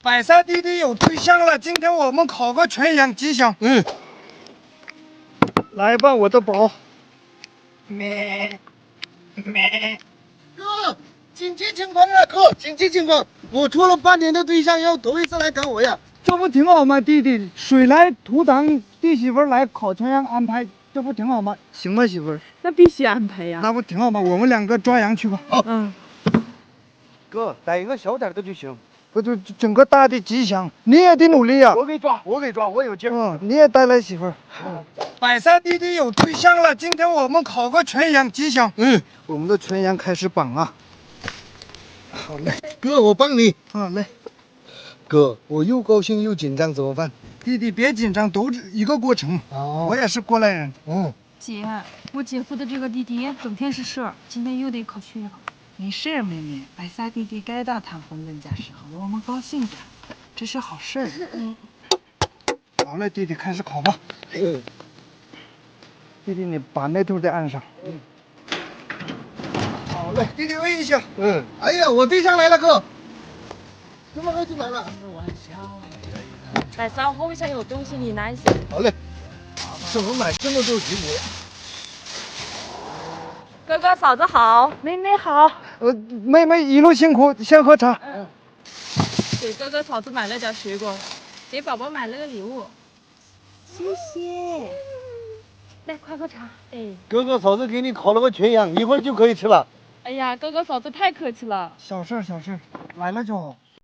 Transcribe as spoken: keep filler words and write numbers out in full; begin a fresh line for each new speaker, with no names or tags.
百赛弟弟有对象了，今天我们烤个全羊吉祥。
嗯，
来吧，我的宝。
咩咩，哥，紧急情况啊，哥，紧急情况！我处了半年的对象要头一次来赶我呀。
这不挺好吗，弟弟？水来土挡，弟媳妇儿来烤全羊安排，这不挺好吗？行吗，媳妇儿？
那必须安排呀。
那不挺好吗？我们两个抓羊去吧。
好，
嗯，
哥，逮一个小点的就行。
不就整个大的吉祥，你也得努力呀、
我给抓，我给抓，我有劲儿。
嗯，你也带来媳妇儿。百赛弟弟有对象了，今天我们烤个全羊吉祥。
嗯，
我们的全羊开始绑啊。好嘞，
哥，我帮你。
好嘞。
哥，我又高兴又紧张，怎么办？
弟弟别紧张，都是一个过程。
哦
我也是过来人。
嗯，
姐，我姐夫的这个弟弟整天是事儿，今天又得烤全羊。
没事儿，妹妹，白撒弟弟该到谈婚论嫁时候了，我们高兴点，这是好事儿。
嗯，
好嘞，弟弟开始烤吧。
嗯，
弟弟，你把那头再按上。
嗯，
好嘞，弟弟喂一下。
嗯，哎呀，我对象来了，哥。这么快就来了？
百三后面有东西，你拿一下。
好嘞。怎么买这么多水果？
哥哥嫂子好，妹妹好。
呃，妹妹一路辛苦，先喝茶。
嗯，给哥哥嫂子买了点水果，给宝宝买了个礼物。谢谢。来，快喝茶。哎，
哥哥嫂子给你烤了个全羊，一会儿就可以吃了。
哎呀，哥哥嫂子太客气了。
小事儿小事儿，来了就好。